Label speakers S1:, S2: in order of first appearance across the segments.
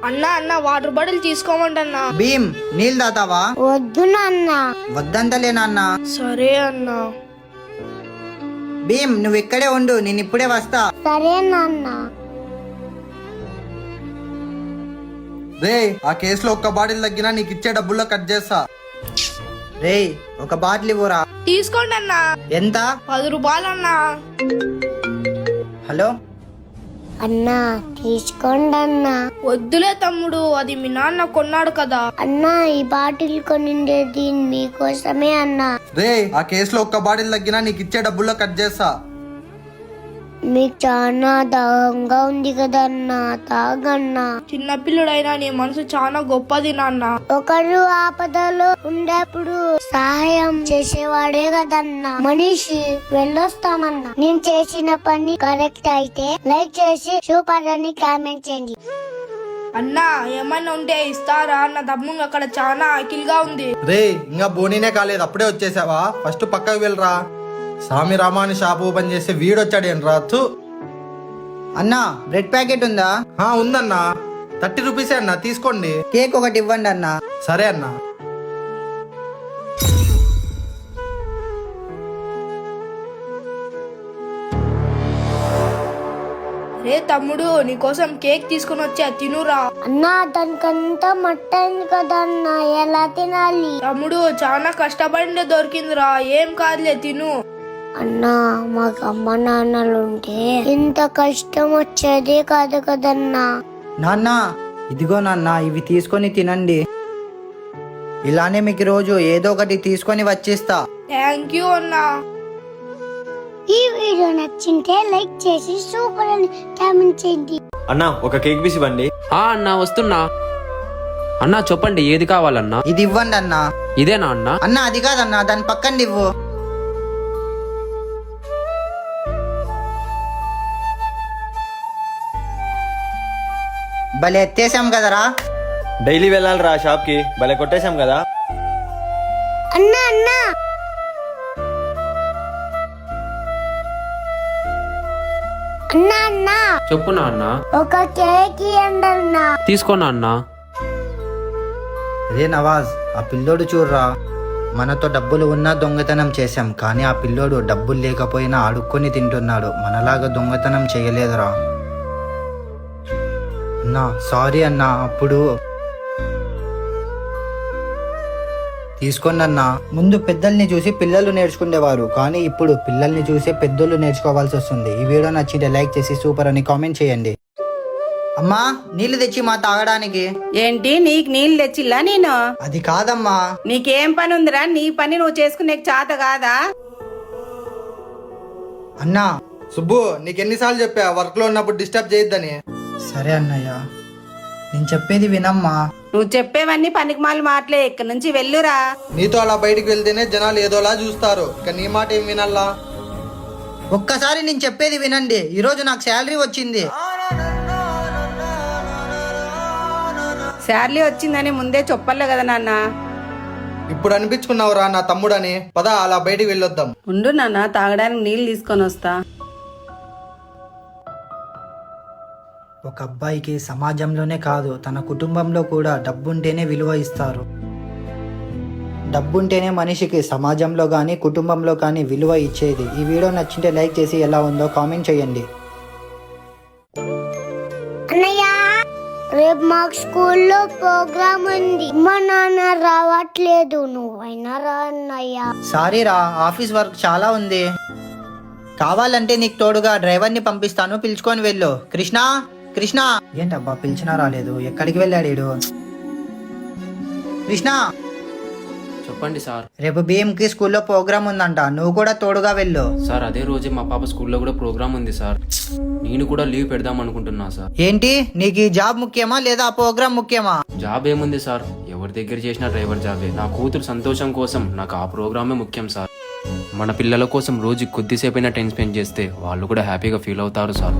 S1: అన్నా అన్న water bottle తీసుకోమంటన్నా.
S2: Bhim నీళ్ళు తాతావా?
S3: వద్దు నాన్న.
S2: వద్దంతలే నాన్న.
S1: సరే అన్నా.
S2: భీమ్ నువ్వు ఇక్కడే ఉండు, నేను ఇప్పుడే వస్తా.
S3: సరే నాన్న.
S4: రే ఆ కేసులో ఒక్క బాటిల్ తగ్గినా నీకు ఇచ్చే డబ్బుల్లో కట్ చేస్తా.
S2: రే ఒక బాటిల్ ఇవ్వరా.
S1: తీసుకోండి అన్నా.
S2: ఎంత?
S1: 10 రూపాయలు అన్నా.
S2: హలో
S3: అన్నా తీసుకోండి అన్నా.
S1: వద్దులే తమ్ముడు, అది మీ నాన్న కొన్నాడు కదా.
S3: అన్నా ఈ బాటిల్ కొనిండేది మీకోసమే అన్నా.
S4: రే ఆ కేసులో ఒక్క బాటిల్ తగ్గినా నీకు ఇచ్చే డబ్బుల్లో కట్ చేస్తా.
S3: మీకు చాలా దాహంగా ఉంది కదన్నా, తాగన్నా.
S1: చిన్నపిల్లుడైనా నీ మనసు చాలా గొప్పది నాన్న.
S3: ఒకరు ఆపదలో ఉండేప్పుడు సహాయం చేసేవాడే కదన్నా మనిషి. వెళ్ళొస్తామన్నా. నేను చేసిన పని కరెక్ట్ అయితే లైక్ చేసి సూపర్ అని కామెంట్ చేయండి.
S1: అన్నా ఏమన్నా ఉంటే ఇస్తారా? నా తమ్ముడు అక్కడ చాలా ఆకిలిగా ఉంది.
S4: రే ఇంకా బోనీనే కాలేదు అప్పుడే వచ్చేసావా? ఫస్ట్ పక్కకు వెళ్ళరా. సామి రామాని షాప్ ఓపెన్ చేస్తే వీడొచ్చాడేం రాతు.
S2: అన్నా బ్రెడ్ ప్యాకెట్ ఉందా?
S4: ఉందన్నా, 30 రూపీసే అన్నా, తీసుకోండి.
S2: కేక్ ఒకటి ఇవ్వండి అన్నా.
S4: సరే అన్నా.
S1: రే తమ్ముడు నీకోసం కేక్ తీసుకుని వచ్చా, తినురా.
S3: అన్నా దానికంతా మట్టైంది కదన్నా, ఎలా తినాలి?
S1: తమ్ముడు చాలా కష్టపడి దొరికిందిరా, ఏం కాదులే తిను.
S3: అన్నా మాకు అమ్మ నాన్నలు ఉంటే ఇంత కష్టం వచ్చేదే కాదు కదన్నా.
S2: నాన్న ఇదిగో నాన్న, ఇవి తీసుకొని తినండి. ఇలానే మీకు రోజు ఏదో ఒకటి తీసుకొని వచ్చిస్తా.
S1: థ్యాంక్ యూ అన్నా.
S3: ఈ వీడియో నచ్చింటే లైక్ చేసి సూపర్ అని కామెంట్ చేయండి.
S5: అన్నా ఒక కేక్ పీస్ ఇవ్వండి.
S6: అన్నా వస్తున్నా. అన్నా చెప్పండి ఏది కావాలన్నా?
S2: ఇది ఇవ్వండి అన్నా.
S6: ఇదేనా అన్నా?
S2: అన్నా అది కాదన్నా, దాని పక్కన ఇవ్వు. భలే ఎత్తేసాం కదరా.
S5: డైలీ వెళ్ళాలిరా షాప్ కి, భలే కొట్టేశాం కదా.
S3: అన్నా అన్నా అన్నా అన్నా
S6: చెప్పునా అన్నా?
S3: ఒక కేక్ ఇవ్వండి అన్నా.
S6: తీసుకోనా అన్నా?
S2: రే నవాజ్, ఆ పిల్లోడు చూడరా. మనతో డబ్బులు ఉన్నా దొంగతనం చేశాం, కానీ ఆ పిల్లోడు డబ్బులు లేకపోయినా అడుక్కొని తింటున్నాడు. మనలాగా దొంగతనం చేయలేదురా. అన్నా సారీ అన్నా. అప్పుడు తీసుకోండి అన్నా. ముందు పెద్దల్ని చూసి పిల్లలు నేర్చుకునేవారు, కానీ ఇప్పుడు పిల్లల్ని చూసే పెద్దోళ్ళు నేర్చుకోవాల్సి వస్తుంది. ఈ వీడియో నచ్చితే లైక్ చేసి సూపర్ అని కామెంట్ చేయండి. అమ్మా నీళ్లు తెచ్చి మా తాగడానికి.
S7: ఏంటి నీకు నీళ్ళు తెచ్చిల్లా నేను?
S2: అది కాదమ్మా.
S7: నీకేం పని ఉందిరా? నీ పని నువ్వు చేసుకునే చేత కాదా?
S2: అన్నా
S4: సుబ్బు నీకెన్నిసార్లు చెప్పా వర్క్ లో ఉన్నప్పుడు డిస్టర్బ్ చేయొద్దని.
S2: సరే అన్నయ్య, నేను చెప్పేది వినమ్మా.
S7: నువ్వు చెప్పేవన్నీ పనికిమాల మాటలే, ఇక్కడి నుంచి వెళ్ళురా.
S4: నీతో అలా బయటికి వెళ్తేనే జనాలు ఏదోలా చూస్తారు, ఇక నీ మాట ఏం వినాలా?
S2: ఒక్కసారి నేను చెప్పేది వినండి. ఈరోజు నాకు శాలరీ వచ్చింది.
S7: శాలరీ వచ్చిందని ముందే చెప్పలే కదా నాన్న.
S4: ఇప్పుడు అనిపించుకున్నావురా నా తమ్ముడని. పద అలా బయటికి వెళ్ళొద్దాం.
S7: ఉండు నాన్న, తాగడానికి నీళ్ళు తీసుకొని వస్తా.
S2: ఒక అబ్బాయికి సమాజంలోనే కాదు తన కుటుంబంలో కూడా డబ్బుంటేనే విలువ ఇస్తారు. డబ్బుంటేనే మనిషికి సమాజంలో కానీ కుటుంబంలో కానీ విలువ ఇచ్చేది. ఈ వీడియో నచ్చింటే లైక్ చేసి ఎలా ఉందో కామెంట్ చేయండి.
S3: అన్నయ్య రేపు మాకు స్కూల్లో ప్రోగ్రామ్ ఉంది. మా నాన్న రావట్లేదు, నువ్వైనా రా అన్నయ్య.
S2: సారీ రా, ఆఫీస్ వర్క్ చాలా ఉంది. కావాలంటే నీకు తోడుగా డ్రైవర్ని పంపిస్తాను, పిలుచుకొని వెళ్ళు. కృష్ణ కృష్ణ. ఏంటబ్బా పిలిచినా రాలేదు, ఎక్కడికి వెళ్ళాడు వీడు? కృష్ణ
S6: చెప్పండి సార్.
S2: రేపు బిఎంకి స్కూల్లో ప్రోగ్రామ్ ఉందంట, నువ్వు కూడా తోడుగా వెళ్ళు.
S6: సార్ అదే రోజే మా పాప స్కూల్లో కూడా ప్రోగ్రామ్ ఉంది సార్. నేను కూడా లీవ్ పెడదాం అనుకుంటున్నా సార్.
S2: ఏంటి నీకు ఈ జాబ్ ముఖ్యమా లేదా ఆ ప్రోగ్రామ్ ముఖ్యమా?
S6: జాబ్ ఏముంది సార్, ఎవరి దగ్గర చేసిన డ్రైవర్ జాబే. నా కూతురు సంతోషం కోసం నాకు ఆ ప్రోగ్రామే ముఖ్యం సార్. మన పిల్లల కోసం రోజు కొద్దిసేపైనా టైం స్పెండ్ చేస్తే వాళ్ళు కూడా హ్యాపీగా ఫీల్ అవుతారు సార్.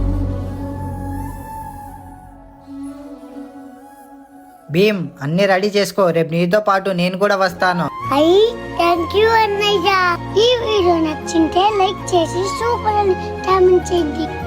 S2: భీమ్ అన్ని రెడీ చేసుకో, రేపు నీతో పాటు నేను కూడా వస్తాను.
S3: థ్యాంక్ యూ అన్నయ్య. ఈ వీడియో నచ్చింటే లైక్ చేసి సూపర్ అని కామెంట్ చేయండి.